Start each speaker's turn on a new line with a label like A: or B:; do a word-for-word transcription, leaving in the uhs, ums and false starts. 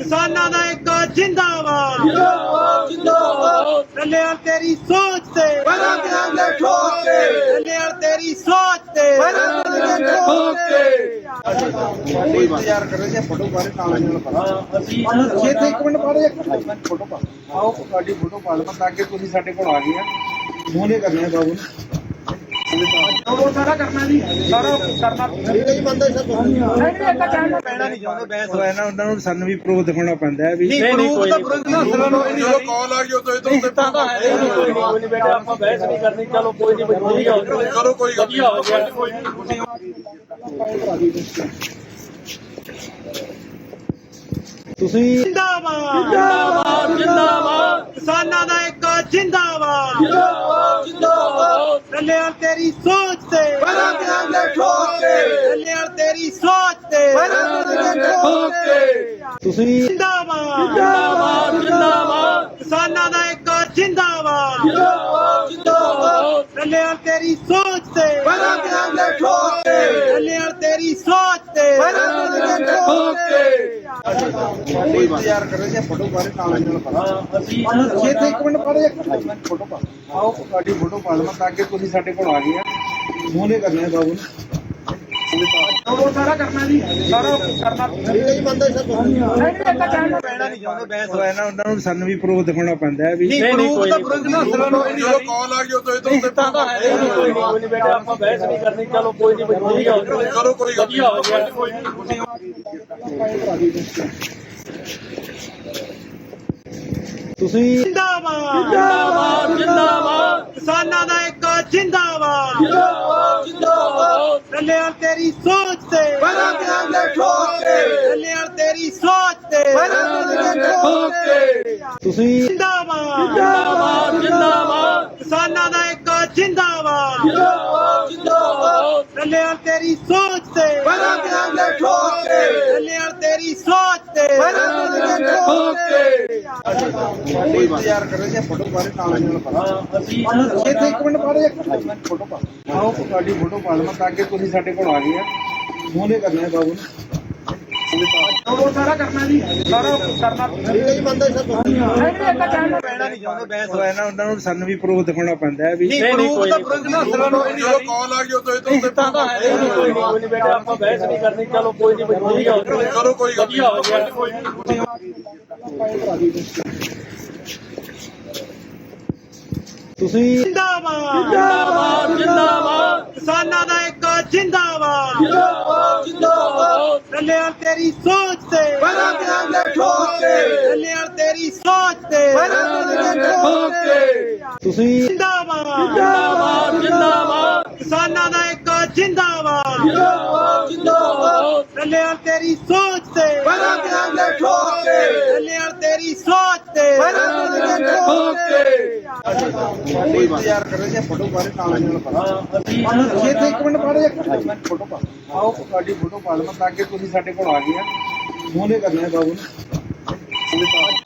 A: ਕਿਸਾਨਾਂ ਦਾ ਇੱਕ ਜਿੰਦਾਬਾਦ
B: ਜਿੰਦਾਬਾਦ ਜਿੰਦਾਬਾਦ
A: ਡੱਲੇਵਾਲ ਤੇਰੀ ਸੋਚ ਤੇ
B: ਬਣਾ ਦਿਆਂਗੇ ਠੋਕ ਕੇ
A: ਡੱਲੇਵਾਲ ਤੇਰੀ ਸੋਚ ਤੇ
B: ਬਣਾ ਦਿਆਂਗੇ ਠੋਕ ਕੇ
C: ਕੋਈ ਇੰਤਜ਼ਾਰ ਕਰ ਰਹੇ ਸੀ ਫੋਟੋ ਬਾਰੇ ਨਾਲ ਨਾਲ ਪਾ ਅਸੀਂ ਇੱਥੇ ਇੱਕ ਮਿੰਟ ਬਾਅਦ ਇੱਕ ਮਿੰਟ ਫੋਟੋ ਪਾ ਆਓ ਤੁਹਾਡੀ ਫੋਟੋ ਪਾ ਲਵਾਂ ਤਾਂ ਕਿ ਤੁਸੀਂ ਸਾਡੇ ਕੋਲ ਆ ਗਏ ਆ ਮੂਹਰੇ ਕਰਨੇ ਆ ਬਾਬੂ ਉਹ ਸਾਰਾ ਕਰਨਾ ਜੀ ਸਾਰਾ ਕਰਨਾ ਠੀਕ ਹੈ ਜੀ ਬੰਦਾ ਸਭ ਨਹੀਂ ਇੱਕ ਕਹਿਣਾ ਪੈਣਾ ਨਹੀਂ ਚਾਹੁੰਦੇ ਬੈਂਸ ਹੋਇਆ ਨਾ ਉਹਨਾਂ ਨੂੰ ਸਾਨੂੰ ਵੀ ਪ੍ਰੂਫ ਦਿਖਾਉਣਾ ਪੈਂਦਾ ਹੈ ਵੀ
B: ਨਹੀਂ ਪ੍ਰੂਫ ਤਾਂ ਪ੍ਰੂਫ ਨਾ
D: ਜਦੋਂ ਕਾਲ ਆ ਗਈ ਉਦੋਂ ਇਧਰ ਉੱਤੇ
B: ਤਾਂ ਤਾਂ ਹੈ ਨਹੀਂ ਕੋਈ ਨਹੀਂ ਬੇਟਾ ਆਪਾਂ ਬਹਿਸ ਨਹੀਂ ਕਰਨੀ ਚਲੋ ਕੋਈ ਨਹੀਂ ਵਧੀਆ ਹੋ ਜਾਵੇ
D: ਕਰੋ ਕੋਈ ਗੱਲ
B: ਵਧੀਆ ਹੋ ਜਾਵੇ ਕੋਈ
C: ਤੁਸੀਂ
A: ਜਿੰਦਾਬਾਦ
B: ਜਿੰਦਾਬਾਦ ਜਿੰਦਾਬਾਦ
A: ਕਿਸਾਨਾਂ ਦਾ ਇੱਕ ਜਿੰਦਾਬਾਦ
B: ਜਿੰਦਾਬਾਦ ਜਿੰਦਾਬਾਦ
A: ਡੱਲੇਵਾਲ ਤੇਰੀ ਸੋਚ ਤੇ
B: ਬਣਾ ਦਿਆਂਗੇ ਠੋਕ ਕੇ
A: ਡੱਲੇਵਾਲ ਤੇਰੀ ਸੋਚ ਤੇ
B: ਬਣਾ ਦਿਆਂਗੇ ਠੋਕ ਕੇ
C: ਤੁਸੀਂ
A: ਜਿੰਦਾਬਾਦ
B: ਜਿੰਦਾਬਾਦ ਜਿੰਦਾਬਾਦ
A: ਕਿਸਾਨਾਂ ਦਾ ਇੱਕ ਜਿੰਦਾਬਾਦ
B: ਜਿੰਦਾਬਾਦ ਜਿੰਦਾਬਾਦ
A: ਡੱਲੇਵਾਲ ਤੇਰੀ ਸੋਚ ਤੇ
B: ਬਣਾ ਦਿਆਂਗੇ ਠੋਕ ਕੇ
A: ਡੱਲੇਵਾਲ ਤੇਰੀ ਸੋਚ ਤੇ
B: ਬਣਾ ਦਿਆਂਗੇ ਠੋਕ ਕੇ
C: ਕੋਈ ਇੰਤਜ਼ਾਰ ਕਰ ਰਹੇ ਸੀ ਫੋਟੋ ਬਾਰੇ ਨਾਲ ਨਾਲ ਪਾ ਅਸੀਂ ਇੱਥੇ ਇੱਕ ਮਿੰਟ ਬਾਅਦ ਇੱਕ ਮਿੰਟ ਫੋਟੋ ਪਾ ਆਓ ਤੁਹਾਡੀ ਫੋਟੋ ਪਾ ਲਵਾਂ ਤਾਂ ਕਿ ਤੁਸੀਂ ਸਾਡੇ ਕੋਲ ਆ ਗਏ ਆ ਮੂਹਰੇ ਕਰਨੇ ਆ ਬਾਬੂ ਉਹ ਸਾਰਾ ਕਰਨਾ ਜੀ ਸਾਰਾ ਕਰਨਾ ਠੀਕ ਹੈ ਜੀ ਬੰਦਾ ਸਭ ਨਹੀਂ ਇੱਕ ਕਹਿਣਾ ਪੈਣਾ ਨਹੀਂ ਚਾਹੁੰਦੇ ਬੈਂਸ ਹੋਇਆ ਨਾ ਉਹਨਾਂ ਨੂੰ ਸਾਨੂੰ ਵੀ ਪ੍ਰੂਫ ਦਿਖਾਉਣਾ ਪੈਂਦਾ ਹੈ ਵੀ
B: ਨਹੀਂ ਪ੍ਰੂਫ ਤਾਂ ਪ੍ਰੂਫ ਨਾ
D: ਜਦੋਂ ਕਾਲ ਆ ਗਈ ਉਦੋਂ ਇਧਰ ਉੱਤੇ
B: ਤਾਂ ਤਾਂ ਹੈ ਨਹੀਂ ਕੋਈ ਨਹੀਂ ਬੇਟਾ ਆਪਾਂ ਬਹਿਸ ਨਹੀਂ ਕਰਨੀ ਚਲੋ ਕੋਈ ਨਹੀਂ ਵਧੀਆ ਹੋ ਜਾਵੇ
D: ਕਰੋ ਕੋਈ ਗੱਲ
B: ਵਧੀਆ ਹੋ ਜਾਵੇ
C: ਤੁਸੀਂ
A: ਜਿੰਦਾਬਾਦ
B: ਜਿੰਦਾਬਾਦ ਜਿੰਦਾਬਾਦ
A: ਕਿਸਾਨਾਂ ਦਾ ਇੱਕ ਜਿੰਦਾਬਾਦ
B: ਜਿੰਦਾਬਾਦ ਜਿੰਦਾਬਾਦ
A: ਡੱਲੇਵਾਲ ਤੇਰੀ ਸੋਚ ਤੇ
B: ਬਣਾ ਦਿਆਂਗੇ ਠੋਕ ਕੇ
A: ਡੱਲੇਵਾਲ ਤੇਰੀ ਸੋਚ ਤੇ
B: ਬਣਾ ਦਿਆਂਗੇ ਠੋਕ ਕੇ
C: ਤੁਸੀਂ
A: ਜਿੰਦਾਬਾਦ
B: ਜਿੰਦਾਬਾਦ ਜਿੰਦਾਬਾਦ
A: ਕਿਸਾਨਾਂ ਦਾ ਇੱਕ ਜਿੰਦਾਬਾਦ
B: ਜਿੰਦਾਬਾਦ ਜਿੰਦਾਬਾਦ
A: ਡੱਲੇਵਾਲ ਤੇਰੀ ਸੋਚ ਤੇ
B: ਬਣਾ ਦਿਆਂਗੇ ਠੋਕ ਕੇ
A: ਡੱਲੇਵਾਲ ਤੇਰੀ ਸੋਚ ਤੇ
B: ਬਣਾ ਦਿਆਂਗੇ ਠੋਕ ਕੇ
C: ਕੋਈ ਇੰਤਜ਼ਾਰ ਕਰ ਰਹੇ ਸੀ ਫੋਟੋ ਬਾਰੇ ਨਾਲ ਨਾਲ ਪਾ ਅਸੀਂ ਇੱਥੇ ਇੱਕ ਮਿੰਟ ਬਾਅਦ ਇੱਕ ਮਿੰਟ ਫੋਟੋ ਪਾ ਆਓ ਤੁਹਾਡੀ ਫੋਟੋ ਪਾ ਲਵਾਂ ਤਾਂ ਕਿ ਤੁਸੀਂ ਸਾਡੇ ਕੋਲ ਆ ਗਏ ਆ ਮੂਹਰੇ ਕਰਨੇ ਆ ਬਾਬੂ ਉਹ ਸਾਰਾ ਕਰਨਾ ਜੀ ਸਾਰਾ ਕਰਨਾ ਠੀਕ ਹੈ ਜੀ ਬੰਦਾ ਸਭ ਨਹੀਂ ਇੱਕ ਕਹਿਣਾ ਪੈਣਾ ਨਹੀਂ ਚਾਹੁੰਦੇ ਬੈਂਸ ਹੋਇਆ ਨਾ ਉਹਨਾਂ ਨੂੰ ਸਾਨੂੰ ਵੀ ਪ੍ਰੂਫ ਦਿਖਾਉਣਾ ਪੈਂਦਾ ਹੈ ਵੀ
B: ਨਹੀਂ ਪ੍ਰੂਫ ਤਾਂ ਪ੍ਰੂਫ ਨਾ
D: ਜਦੋਂ ਕਾਲ ਆ ਗਈ ਉਦੋਂ ਇਧਰ ਉੱਤੇ
B: ਤਾਂ ਤਾਂ ਹੈ ਨਹੀਂ ਕੋਈ ਨਹੀਂ ਬੇਟਾ ਆਪਾਂ ਬਹਿਸ ਨਹੀਂ ਕਰਨੀ ਚਲੋ ਕੋਈ ਨਹੀਂ ਵਧੀਆ ਹੋ ਜਾਵੇ
D: ਕਰੋ ਕੋਈ ਗੱਲ
B: ਵਧੀਆ ਹੋ ਜਾਵੇ
C: ਤੁਸੀਂ
A: ਜਿੰਦਾਬਾਦ
B: ਜਿੰਦਾਬਾਦ ਜਿੰਦਾਬਾਦ
A: ਕਿਸਾਨਾਂ ਦਾ ਇੱਕ ਜਿੰਦਾਬਾਦ
B: ਜਿੰਦਾਬਾਦ ਜਿੰਦਾਬਾਦ
A: ਡੱਲੇਵਾਲ ਤੇਰੀ ਸੋਚ ਤੇ
B: ਬਣਾ ਦਿਆਂਗੇ ਠੋਕ ਕੇ
A: ਡੱਲੇਵਾਲ ਤੇਰੀ ਸੋਚ ਤੇ
B: ਬਣਾ ਦਿਆਂਗੇ ਠੋਕ ਕੇ
C: ਤੁਸੀਂ
A: ਜਿੰਦਾਬਾਦ
B: ਜਿੰਦਾਬਾਦ ਜਿੰਦਾਬਾਦ
A: ਕਿਸਾਨਾਂ ਦਾ ਇੱਕ ਜਿੰਦਾਬਾਦ
B: ਜਿੰਦਾਬਾਦ ਜਿੰਦਾਬਾਦ
A: ਡੱਲੇਵਾਲ ਤੇਰੀ ਸੋਚ ਤੇ
B: ਬਣਾ ਦਿਆਂਗੇ ਠੋਕ ਕੇ
A: ਡੱਲੇਵਾਲ ਤੇਰੀ ਸੋਚ ਤੇ
B: ਬਣਾ ਦਿਆਂਗੇ ਠੋਕ ਕੇ
C: ਕੋਈ ਇੰਤਜ਼ਾਰ ਕਰ ਰਹੇ ਸੀ ਫੋਟੋ ਬਾਰੇ ਨਾਲ ਨਾਲ ਪਾ ਅਸੀਂ ਇੱਥੇ ਇੱਕ ਮਿੰਟ ਬਾਅਦ ਇੱਕ ਮਿੰਟ ਫੋਟੋ ਪਾ ਆਓ ਤੁਹਾਡੀ ਫੋਟੋ ਪਾ ਲਵਾਂ ਤਾਂ ਕਿ ਤੁਸੀਂ ਸਾਡੇ ਕੋਲ ਆ ਗਏ ਆ ਮੂਹਰੇ ਕਰਨੇ ਆ ਬਾਬੂ